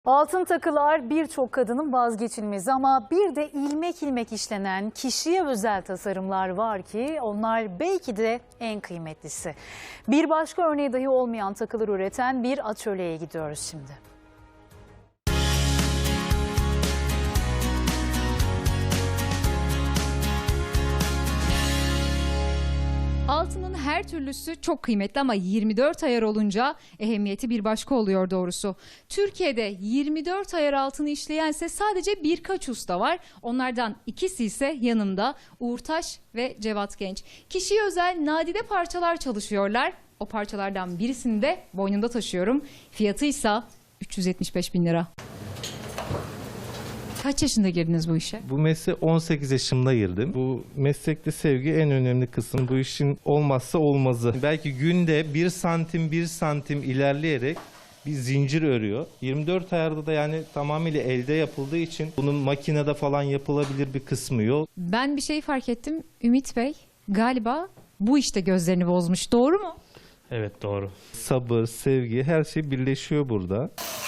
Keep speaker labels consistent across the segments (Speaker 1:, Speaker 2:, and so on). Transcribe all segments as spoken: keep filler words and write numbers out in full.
Speaker 1: Altın takılar birçok kadının vazgeçilmezi ama bir de ilmek ilmek işlenen kişiye özel tasarımlar var ki onlar belki de en kıymetlisi. Bir başka örneği dahi olmayan takılar üreten bir atölyeye gidiyoruz şimdi.
Speaker 2: Altının her türlüsü çok kıymetli ama yirmi dört ayar olunca ehemmiyeti bir başka oluyor doğrusu. Türkiye'de yirmi dört ayar altını işleyense sadece birkaç usta var. Onlardan ikisi ise yanımda Uğur Taş ve Cevat Genç. Kişiye özel nadide parçalar çalışıyorlar. O parçalardan birisini de boynumda taşıyorum. Fiyatı ise üç yüz yetmiş beş bin lira. Kaç yaşında girdiniz bu işe?
Speaker 3: Bu mesleğe on sekiz yaşımda girdim. Bu meslekte sevgi en önemli kısım. Bu işin olmazsa olmazı. Belki günde bir santim bir santim ilerleyerek bir zincir örüyor. yirmi dört ayarda da yani tamamıyla elde yapıldığı için bunun makinede falan yapılabilir bir kısmı yok.
Speaker 2: Ben bir şey fark ettim. Ümit Bey galiba bu işte gözlerini bozmuş. Doğru mu?
Speaker 3: Evet, doğru. Sabır, sevgi, her şey birleşiyor burada.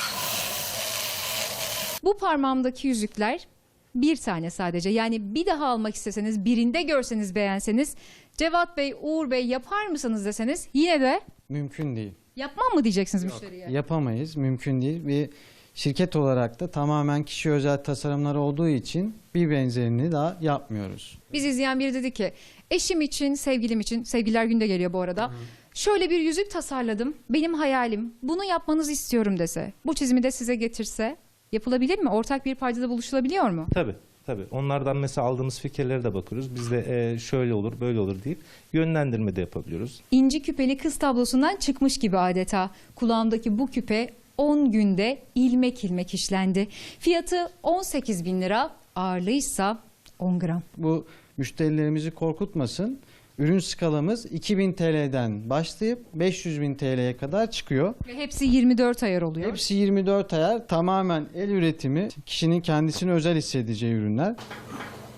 Speaker 2: Bu parmağımdaki yüzükler bir tane sadece. Yani bir daha almak isteseniz, birinde görseniz, beğenseniz, Cevat Bey, Uğur Bey yapar mısınız deseniz yine de
Speaker 4: Mümkün değil.
Speaker 2: yapmam mı diyeceksiniz müşteriye?
Speaker 4: Yapamayız. Mümkün değil. Bir şirket olarak da tamamen kişi özel tasarımlar olduğu için bir benzerini daha yapmıyoruz.
Speaker 2: Biz izleyen biri dedi ki eşim için, sevgilim için, sevgililer günde geliyor bu arada. Hı. Şöyle bir yüzük tasarladım. Benim hayalim. Bunu yapmanızı istiyorum dese. Bu çizimi de size getirse yapılabilir mi? Ortak bir paydada buluşulabiliyor mu?
Speaker 3: Tabii. Tabii. Onlardan mesela aldığımız fikirlere de bakıyoruz. Biz de e, şöyle olur, böyle olur deyip yönlendirme de yapabiliyoruz.
Speaker 2: İnci küpeli kız tablosundan çıkmış gibi adeta. Kulağımdaki bu küpe on günde ilmek ilmek işlendi. Fiyatı on sekiz bin lira, ağırlığıysa on gram.
Speaker 4: Bu müşterilerimizi korkutmasın. Ürün skalamız iki bin T L'den başlayıp beş yüz bin T L'ye kadar çıkıyor.
Speaker 2: Ve hepsi yirmi dört ayar oluyor.
Speaker 4: Hepsi yirmi dört ayar, tamamen el üretimi, kişinin kendisini özel hissedeceği ürünler.